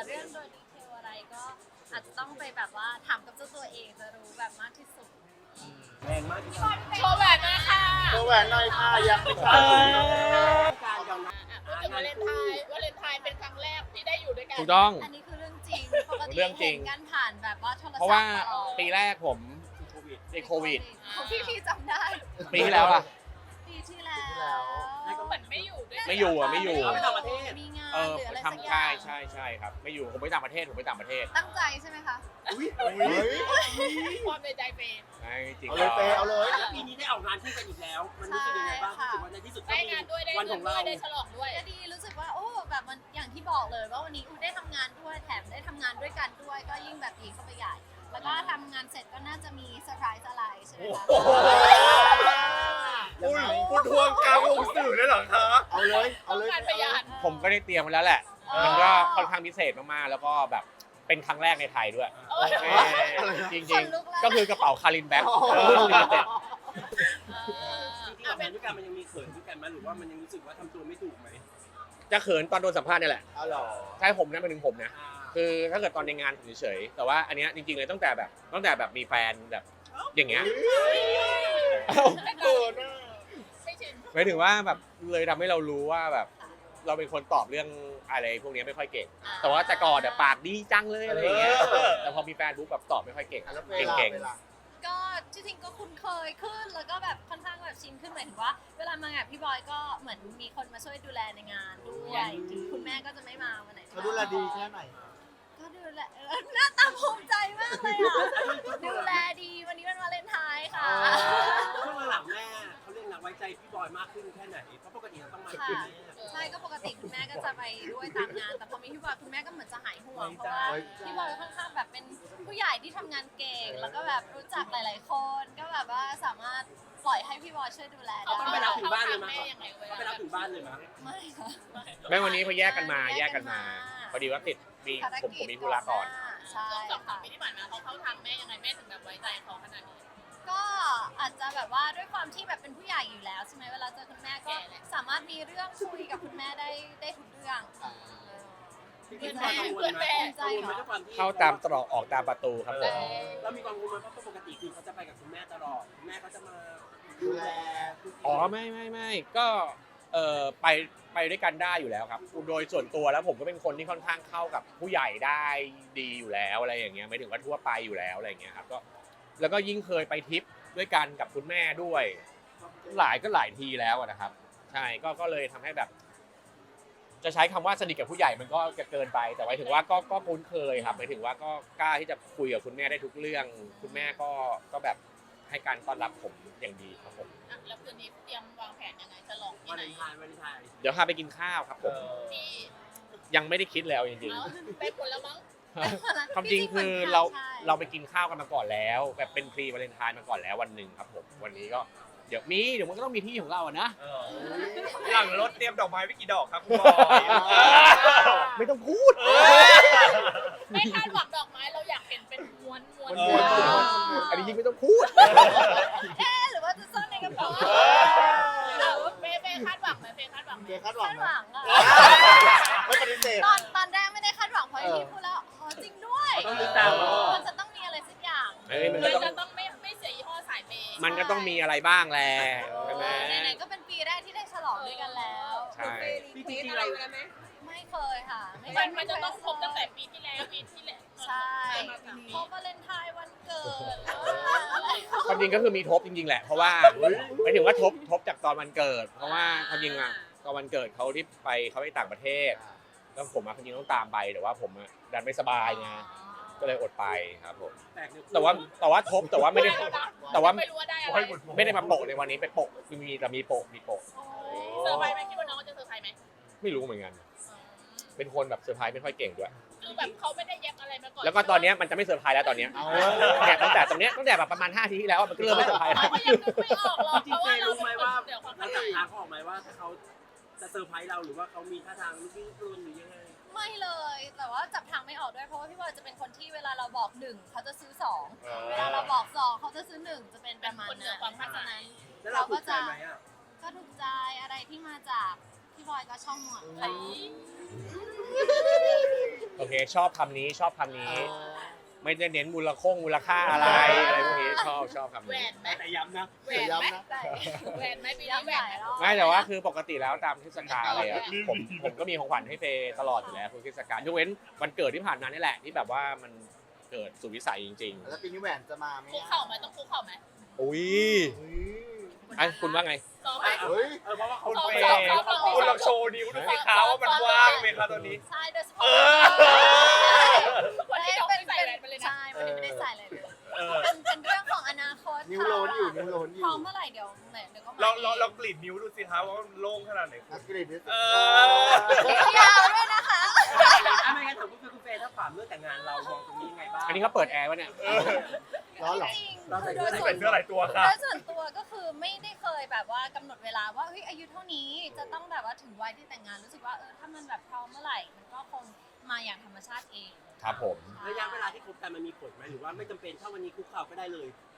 เรื่องโดยดีเทลอะไรก็อาจจะต้องไปแบบว่าถามกับเจ้าตัวเองจะรู้แบบมากที่สุดแรงมากที่สุดโชว์แหวนมาค่ะโชว์แหวนหน่อยค่ะอยากไปค่ะการยอมรับพูดถึงวาเลนไทน์เป็นครั้งแรกที่ได้อยู่ด้วยกันถูกต้องอันนี้คือเรื่องจริงปกติเรื่องจริงเห็นกันผ่านแบบว่าโทรศัพท์เพราะว่าตลอดปีแรกผมโควิดติดโควิดของพี่จำได้ปีที่แล้วล่ะปีที่แล้วแล้วก็เหมือนไม่อยู่ด้วยกันไม่อยู่อ่ะไม่อยู่เขาไปต่างประเทศมีงานเออหรืออะไรสักอทำย่างใช่ครับ ไม่อยู่ผมไปต่างประเทศผมไปต่างประเทศตั้งใจใช่ไหมคะอุ้ยเฮ้ยความในใจเฟย์ใช่จริงเอาเลยเปย์เอาเลยแล้วปีนี้ได้ออกงานคู่กันอีกแล้ว มันรู้สึกยังไงบ้างรู้สึกว่าในที่สุดก็ได้มีงานด้วยได้วันเงิขอน งด้วเรายได้ฉลองด้วยก็ดีรู้สึกว่าโอ้แบบมันอย่างที่บอกเลยว่าวันนี้อูได้ทำงานด้วยแถมได้ทำงานด้วยกันด้วยก็ยิ่งแบบดีเข้าไปใหญ่ แล้วก็ทำงานเสร็จก็น่าจะมีเซอร์ไพรส์อะไรใช่ไหมคะคุณทวงกลางวงสื่อเลยเหรอคะเอาเลยเอาเลยงานพยานผมก็ได้เตรียมไว้แล้วแหละ มันก็ค่อนข้างพิเศษมากๆแล้วก็แบบเป็นครั้งแรกในไทยด้วยจริงๆก็คือกระเป๋าคารินแบ็ครุ่นลิมิเต็ดจริงๆออกงานด้วยกันมันยังมีเขินด้วยกันไหมหรือว่ามันยังรู้สึกว่าทำตัวไม่ถูกไหมจะเขินตอนโดนสัมภาษณ์นี่แหละเอาหรอใช่ผมนะเป็นถึงผมนะอ่าคือถ้าเกิดตอนในงานผมเฉยๆแต่ว่าอันเนี้ยจริงๆเลยตั้งแต่แบบมีแฟนแบบอย่างเงี้ยเกินอ่ะไม่ชินหมายถึงว่าแบบเลยทำให้เรารู้ว่าแบบเราเป็นคนตอบเรื่องอะไรพวกนี้ไม่ค่อยเก่ง แต่ว่าแต่ก่อนปากดีจังเลยอะไรอย่างเงี้ยแต่พอมีแฟนปุ๊บแบบตอบไม่ค่อยเก่งแล้วเปเก่งย์ล่ะก็จริงๆก็คุ้นเคยขึ้นแล้วก็แบบค่อนข้างแบบชินขึ้นหมายถึงว่า เวลามางานพี่บอยก็เหมือนมีคนมาช่วยดูแลในงานด้วยถึงคุณแม่ก็จะไม่มาวันไหนเขาดูแลดีแค่ไหนก็ดูแลหน้าตาภูมิใจมากเลยอ่ะดูแลดีวันนี้เป็นวาเลนไทน์ค่ะช่วงหลังๆแม่เขาเรียกนะไว้ใจพี่บอยมากขึ้นแค่ไหนเพราะปกติเราต้องมาค่ะที่แม่ใช่ก็ปกติคุณแม่ก็จะไปด้วยตามงาน แต่พอมีพี่บอยคุณแม่ก็เหมือนจะหายห่วงเพราะว่าพี่บอยค่อนข้างแบบเป็นผู้ใหญ่ที่ทำงานเก่ง แล้วก็แบบรู้จักหลาย ๆ คนก็แบบว่าสามารถปล่อยให้พี่บอยช่วยดูแลเขาได้ไปรับถึงบ้านเลยแม่มั้ยยังไงเวเขาลาไปรับถึงบ้านเลยมั้ยไม่ค่ะแม่วันนี้เขาแยกกันมาพอดีว่าติดมีผมมีธุระก่อนใช่สองสามค่ะปีที่ผ่านมาเขาทางแม่ยังไงแม่ถึงแบบไว้ใจเขาขนาดนี้ก็อาจจะแบบว่าด้วยความที่แบบเป็นผู้ใหญ่อยู่แล้วใช่ไหมเวลาเจอคุณแม่ก็สามารถมีเรื่องคุยกับคุณแม่ได้ทุกเรื่องพี่บอยกังวลไหมกังวลไหมด้วยความที่เข้าตามตรอกออกตามประตูครับผมเรามีความกังวลไหมเพราะปกติคือเขาจะไปกับคุณแม่ตลอดคุณแม่เขาจะมาดูแลอ๋อไม่ก็ไปด้วยกันได้อยู่แล้วครับโดยส่วนตัวแล้วผมก็เป็นคนที่ค่อนข้างเข้ากับผู้ใหญ่ได้ดีอยู่แล้วอะไรอย่างเงี้ยไม่ถึงว่าทั่วไปอยู่แล้วอะไรอย่างเงี้ยครับก็แล้วก็ยิ่งเคยไปทริปด้วยกันกับคุณแม่ด้วยหลายทีแล้วนะครับใช่ก็เลยทำให้แบบ จะใช้คำว่าสนิทกับผู้ใหญ่มันก็จะเกินไปแต่หมายถึงว่าก็คุ้นเคยครับหมายถึงว่าก็กล้าที่จะคุยกับคุณแม่ได้ทุกเรื่อง คุณแม่ก็แบบให้การต้อนรับผมอย่างดีครับผมแล้วคืนนี้เตรียมวางแผนยังไงฉลองที่วันไหนเลนไทน์วันเลนไทน์เดี๋ยวพาไปกินข้าวครับผมที่ยังไม่ได้คิดแล้วจริงเอาไปผลแล้วมั้งๆความจริงคือเราไปกินข้าวกันมาก่อนแล้วแบบเป็นพรีวาเลนไทน์มาก่อนแล้ววันหนึ่งครับผมวันนี้ก็เดี๋ยวมันก็ต้องมีที่ของเราอะนะหลังรถเตรียมดอกไม้ไปกี่ดอกครับคุณบอยไม่ต้องพูดไม่คาดหวังดอกไม้เราอยากเห็นเป็นม้วนอันนี้ยิ่งไม่ต้องพูดหรือว่าจะซ่อนในกระเป๋าเฟย์คาดหวังไหมเฟย์คาดหวังไหมเจ๊คาดหวังคาดไหหมวังอะไม่ปฏิเสธตอนแรกไม่ได้คาดหวังเพราะที่พูดแล้วอ๋อจริงด้วยต้องนึกตามว่ามันจะต้องมีอะไรสักอย่างมันเลก็ยต้องจะต้องไม่เสียยี่ห้อสายเปย์มันก็ต้องมีอะไรบ้างแหละใช่ไหมไหนๆก็เป็นปีแรกที่ได้ฉลองด้วยกันแล้วใช่จริงๆเราไม่เคยค่ะมันจะต้องครบตั้งแต่ปีที่แล้วใช่เพราะวาเลนไทน์วันเกิดความจริงก็คือมีทบจริงๆแหละเพราะว่าหมายถึงว่าทบจากตอนวันเกิด เพราะว่าความจริงอะตอนวันเกิดเขาที่เขาไปต่างประเทศแล้วผมความจริงต้องตามไปแต่ว่าผมดันไม่สบายไงก็เลยอดไปครับผมแปลกเนี่ยแต่ว่าทบแต่ว่าไม่ได้แต่ว่าไม่รู้ว่าได้อะไรไม่ได้มาโปะในวันนี้ไปโปะแต่มีโปะเซอร์ไพรส์ไหมคิดว่าน้องจะเซอร์ไพรส์ไหมไม่รู้เหมือนกัน เป็นคนแบบเซอร์ไพรส์ไม่ค่อยเก่งด้วยคือแบบเขาไม่ได้แยกอะไรมาก่อนแล้วก็ตอนนี้มันจะไม่เซอร์ไพรส์แล้วตอนนี้เนี่ยตั้งแต่ตรงเนี้ยตั้งแต่แบบประมาณ5 ทีที่แล้วมันก็เริ่มไม่เซอร์ไพรส์แล้วเขาก็ยังนึกไม่ออกหรอกจเพริงราะๆว่าเฟย์เรารู้ไหมว่าเดี๋ยวความเราเข้าใจจับทางเขาออกไหมว่าถ้าเขาจะเซอร์ไพรส์เราหรือว่าเขามีท่าทางรุ่นรุ่นหรือยังไงไม่เลย แต่ว่าจับทางไม่ออกด้วยเพราะว่าพี่บอยจะเป็นคนที่เวลาเราบอก1เขาจะซื้อ2เวลาเราบอก2เขาจะซื้อ1จะเป็นประมาณนั้นเพราะฉะนั้นแล้วเราถูกใจไหมอ่ะก็ถูกใจอะไรที่มาจากพี่บอยก็ช่องหมดไอ้โอเคชอบคำนี้ชอบคำนี้ ไม่ได้เน้นมูลค่าอะไรพวกนี้ชอบคำแหวนี้นไหมแต่ย้ำนะแหวนไหมใส่แหวนไหมปีนี้ย้ำแหวใส่นไหมแล้วไม่แต่ว่าคือปกติแล้วตามเทศกาลอะไรอะผมก็มีของขวัญให้เฟย์ตลอดอยู่แล้วทุกเทศกาลยกเว้นวันเกิดที่ผ่านมานี่แหละที่แบบว่ามันเกิดสุดวิสัยจริงแล้วปีนี้แหวนจะมาไหมคุกเข่าไหมต้องคุกเข่าไหมๆอุ้ยเฮ้ยไอ้คุณว่าไงซ้อมไหมเฮ้ยเพราะว่าเขาคุณเฟเฟย์ย์คุณลองโชว์นิ้วดูสิคะว่ามันว่างไหมคะตอนนี้ใช่โดยเฉพาะวันที่น้องไม่ใส่แหวนไปเลยนะใช่วันนี้ไม่ได้ใส่เลยเออเป็นเรื่องของอนาคตนิ้วโลนอยู่นิ้วโลนอพยู่ร้อมเมื่อไหร่เดี๋ยวก็มาเรากรีดนิ้วดูสิคะว่ามันโล่งขนาดไหนอักฤษนี่ยาวด้วยนะคะไม่งั้นถามคุณเฟย์ถ้าถามเรื่องแต่งงานเรามองตรงนี้ยังไงบ้างอันนี้เขาเปิดแอร์วะเนี่ยร้อนเหรอจริงเราใส่ๆโดเสื้ยอส่วนเป็นเสื้อหลายตัวค่ะโดยส่วนตัวก็คือไม่ได้เคยแบบว่ากำหนดเวลาว่าเฮ้ยอายุเท่านี้จะต้องแบบว่าถึงวัยที่แต่งงานรู้สึกว่าถ้ามันแบบพร้อมเมื่อไหร่มันก็คงมาอย่างธรรมชาติเองครับผมระยะเวลาที่คบกันมันมีผลไหมหรือว่าไม่จำเป็นถ้าวันนี้คุกเข่าก็ได้เลย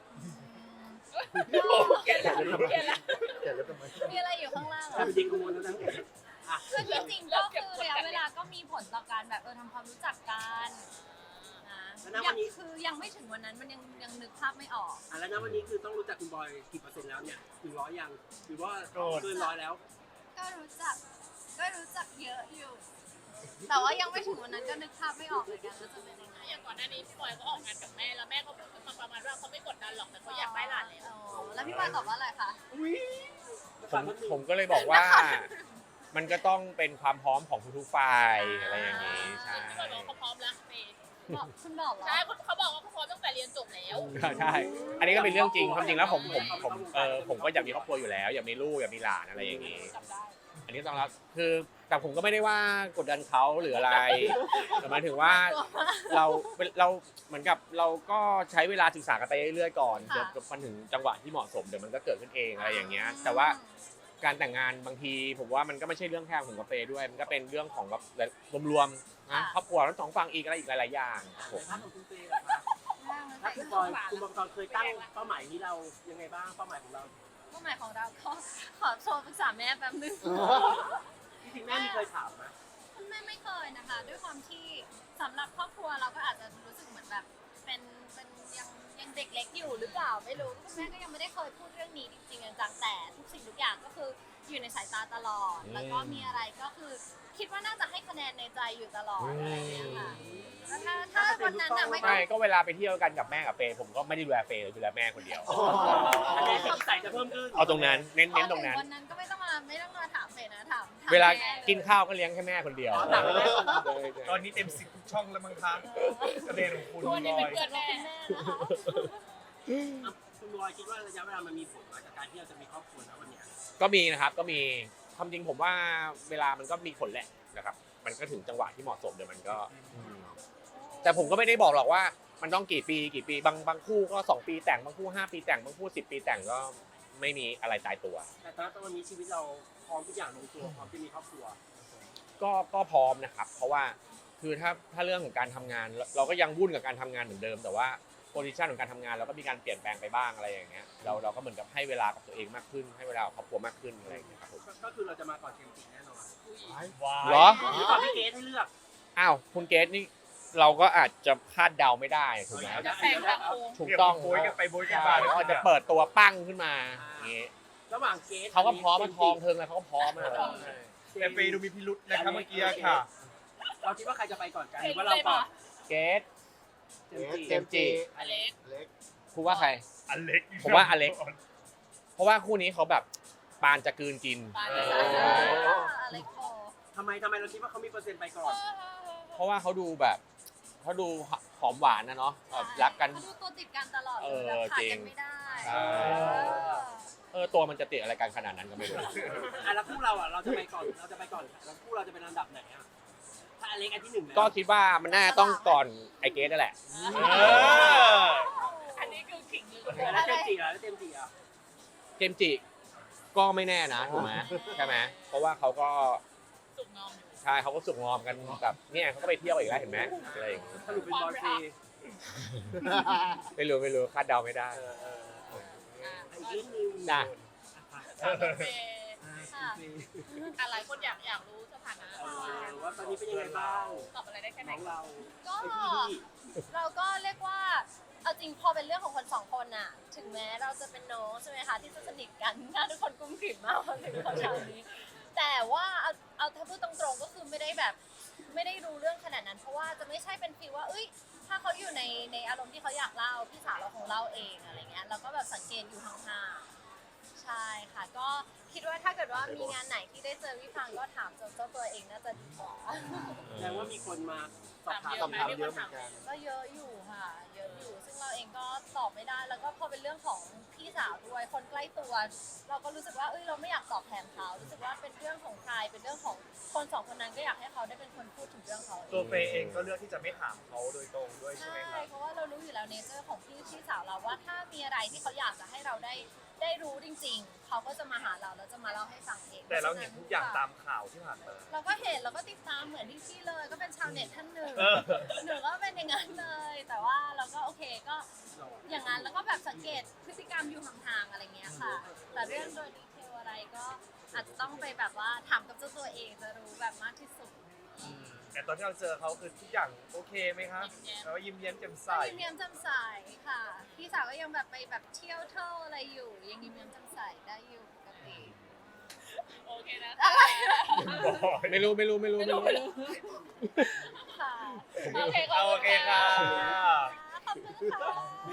เกลียดแล้วเกลียดแล้วเขียนแล้วทำไมมีอะไรอยู่ข้างล่างเหรถ้าอเป็นจริงกังวลแล้วนะคือจริงๆก็คือระยะเวลาก็มีผลต่อการแบบทำความรู้จักกันนะคือยังไม่ถึงวันนั้นมันยังนึกภาพไม่ออกแล้วนะวันนี้คือต้องรู้จักคุณบอยกี่เปอร์เซ็นต์แล้วเนี่ยถึง100ยังหรือว่าเกิน100แล้วก็รู้จักเยอะอยู่ แต่ว่ายังไม่ถึงวันนั้นก็นึกภาพไม่ออกเหมือนกันว่าจะเป็นยังไงอย่างก่อนหน้านี้พี่บอยก็ออกงานกับแม่แล้วแม่ก็พูดมาประมาณว่าเขาไม่กดดันหรอกแต่เขาอยากได้หลานแล้วแล้วพี่บอยตอบว่าอะไรคะผมก็เลยบอกว่า มันก็ต้องเป็นความพร้อมของทุกๆฝ่ายอะไรอย่างนี้ใช่พี่บอยบอกเขาพร้อมแล้วเมย์บอกคุณบอกเหรอใช่เขาบอกว่าเขาพร้อมตั้งแต่เรียนจบแล้วใช่ อันนี้ก็เป็นเรื่องจริงความจริงแล้วผมก็อยากมีครอบครัวอยู่แล้ว อยากมีลูกอยากมีหลานอะไรอย่างนี้จำได้อันนี้ต้องรับคือแต่ผมก็ไม่ได้ว่ากดดันเขาหรืออะไรแต่หมายถึงว่าเราเหมือนกับเราก็ใช้เวลาศึกษากันไปเรื่อยๆก่อนเดี๋ยวมันถึงจังหวะที่เหมาะสมเดี๋ยวมันก็เกิดขึ้นเองอะไรอย่างเงี้ยแต่ว่าการแต่งงานบางทีผมว่ามันก็ไม่ใช่เรื่องแค่ของกาแฟด้วย มันก็เป็นเรื่องของแบบรวมๆนะครอบครัวทั้งสองฝั่งอีกอะไรอีกหลายๆอย่างครับผมถ้าของคุณเฟย์ล่ะคะถ้าคุณบอยเคยตั้งเป้าหมายนี้เรายังไงบ้างเป้าหมายของเราเป้าหมายของเราก็ขอโทรปรึกษาแม่แป๊บนึงจริงๆแม่มีเคยถามไหมแม่ไม่เคยนะคะ ด้วยความที่สำหรับครอบครัวเราก็อาจจะรู้สึกเหมือนแบบเป็นยังเด็กเล็กอยู่หรือเปล่าไม่รู้คุณแม่ก็ยังไม่ได้เคยพูดเรื่องนี้จริงๆจังๆแต่ทุกสิ่งทุกอย่างก็คืออยู่ในสายตาตลอด แล้วก็มีอะไรก็คือคิดว่าน่าจะให้คะแนนในใจอยู่ตลอดอะไรอย่างเงี้ยค่ะแล้วถ้าวันนั้นน่ะไม่ต้อไม่งก็เวลาไปเที่ยวกันกับแม่กับเฟย์ผมก็ไม่ได้ดูแลเฟย์ดูแลแม่คนเดียวอันนี้สิ่งที่ใส่จะเพิ่มขึ้นเอาตรงนั้นเน้นตรงนั้นวันนั้นก็ไม่ต้องมาถามเฟยนะถามเวลาแม่กินข้าวก็เลี้ยงแค่แม่คนเดียวต่างกันแม่ก่อนตอนนี้เต็ม10ทุกช่องแล้วมั้งคะประเด็นของคุณทุกวันนี้บเป็อน ยเพื่อนแม่คุณแม่นะคะคุณบอยคิดว่าระยะเวลามันมีผลจากการที่เราจะมีครอบครัวนะวันเนี้ยก็มีนะครับก็มีความจริงผมว่าเวลามันก็มีผลแหละนะครับ มันก็ถึงจังหวะที่เหมาะสมเดี๋ยวมันก็แต่ผมก็ไม่ได้บอกหรอกว่ามันต้องกี่ปีบางคู่ก็2 ปีแต่งบางคู่5 ปีแต่งบางคู่10 ปีแต่งก็ไม่มีอะไรตายตัวแต่ตอนนี้ชีวิตเราพร้อมทุกอย่างลงตัวพร้อมจะมีครอบครัวก็พร้อมนะครับ เพราะว่าคือถ้าเรื่องของการทำงานเราก็ยังวุ่นกับการทำงานเหมือนเดิม แต่ว่าโพซิชันของการทำงานเราก็มีการเปลี่ยนแปลงไปบ้างอะไรอย่างเงี้ยเราก็เหมือนกับให้เวลากับตัวเองมากขึ้น ให้เวลากับครอบครัวมากขึ้นอะไรอย่างเงี้ยครับผมก็คือเราจะมาก่อนเกมจริงแน่นอนเหรอหรือก่อนพี่เกสให้เลือกอ้าวคุณเกสนี่เราก็อาจจะคาดเดาไม่ได้ถูกไหมจะแซงทางโค้งถูกต้องโบยกันไปโบยกันใช่มาแล้วอาจจะเปิดตัวปั้งขึ้นมาอย่างงี้ระหว่างเกสเขาก็พร้อมมาทองเทิงแล้วเขาก็พร้อมมาแต่เฟย์ดูมีพิรุษนะครับเมื่อกี้ค่ะเราคิดว่าใครจะไปก่อนกันหเห็รืนอว่าเลเรายก่อปะนเกสเจมส์จีเจมส์จีอเล็กเล็กคุณว่าใครอเล็กผมว่าอเล็ก เพราะว่าคู่นี้เขาแบบปานจะกลืนกินปานอจะสาะไรโคทำไมเราคิดว่าเขามีเปอร์เซ็นต์ไปก่อนเพราะว่าเขาดูแบบเขาดูหอมหวานนะเนาะแบบรักกันเขาดูตัวติดกันตลอดเลยแบบขาดกันไม่ได้ใช่ ตัวมันจะติดอะไรกันขนาดนั้นก็ไม่รู้แล้วคู่เราเราจะไปก่อนแล้วคู่เราจะเป็นลำดับไหนอ่ะถ้าอเล็กอันที่1แล้วก็คิดว่ามันน่าต้องก่อนไอเกสนั่นแหละอันนี้คือขิงหรือแล้วเจมส์จีแล้วเจมส์จีอ่ะเจมส์จิก็ไม่แน่นะถูกไหมใช่ไหมเพราะว่าเขาก็สุกงอมอยู่ใช่เขาก็สุกงอมกันแบบเนี่ยเขาก็ไปเที่ยวอีกแล้วเห็นไหมอะไรอย่างเงี้ยสรุปเป็นบอยฟรีไม่รู้คาดเดาไม่ได้อีกนิดนึงจ้ะเฟย์คค่ะอะไรคนอยากรู้สถานะว่าตอนนี้เป็นยังไงบ้างตอบอะไรได้แค่ไหนน้องเราก็ไอ้พี่เราก็เรียกว่าเอาจริงพอเป็นเรื่องของคนสองคนน่ะ ถึงแม้เราจะเป็นน้องใช่ไหมคะที่จะสนิทกันหน้าทุกคนกุ้มกลิ่มมากพอถึงคนชาวนี้ แต่ว่าเอาถ้าพูดตรงๆก็คือไม่ได้แบบไม่ได้รู้เรื่องขนาดนั้น เพราะว่าจะไม่ใช่เป็นฟีลว่าเอ้ยถ้าเขาอยู่ในอารมณ์ที่เขาอยากเล่าพี่สาวเราคงเล่าเองอะไรเงี้ยเราก็แบบสังเกตอยู่ห่างๆใช่ค่ะ ก็คิดว่าถ้าเกิดว่ามีงานไหนที่ได้เจอพี่พังก็ถามเจ้าตัวเองน่าจะดีกว่าแสดงว่ามีคนมาสอบถามคำถามเยอะเหมือนกันก็เยอะอยู่ค่ะ เยอะอยู่ ซึ่งเราเองก็ตอบไม่ได้ แล้วก็พอเป็นเรื่องของพี่สาวด้วย คนใกล้ตัว เราก็รู้สึกว่า เราไม่อยากตอบแทนเขา รู้สึกว่าเป็นเรื่องของใคร เป็นเรื่องของคนสองคนนั้นก็อยากให้เขาได้เป็นคนพูดถึงเรื่องเขาเองตัวเฟย์เองก็เลือกที่จะไม่ถามเขาโดยตรงด้วยใช่ไหมใช่ครับเพราะว่าเรารู้อยู่แล้วเนเจอร์ของพี่สาวเราว่าถ้ามีอะไรที่เขาอยากจะให้เราได้รู้จริง ๆ เขาก็จะมาหาเราแล้วจะมาเล่าให้ฟังเองแต่เราเห็นทุกอย่างตามข่าวที่ผ่านมาเราก็เห็นเราก็ติดตามเหมือนที่พี่เลย ก็เป็นชาวเน็ตท่านหนึ่งเออหนูก็เป็นอย่างนั้นเลย แต่ว่าเราก็โอเคก็อย่างนั้นแล้วก็แบบสังเกตพฤติกรรมอยู่ห่างๆอะไรเงี้ยค่ะ แต่เรื่องโดยดีเทลอะไรก็อาจจะต้องไปแบบว่าถามกับเจ้าตัวเองจะรู้แบบมากที่สุดแต่ตอนที่เราเจอเขาคือทุกอย่างโอเคไหมครับแล้วายิ้มแย้มแจ่มใสก็ยิ้มแย้มแจ่มใสค่ะ พี่สาวก็ยังแบบไปแบบเที่ยวเท่าอะไรอยู่ ยังยิ้มแย้มแจ่มใสได้อยู่ปกติโอเคนะอะไรไม่รู้ค่ะโอเคโอเคค่ะขอบคุณค่ะ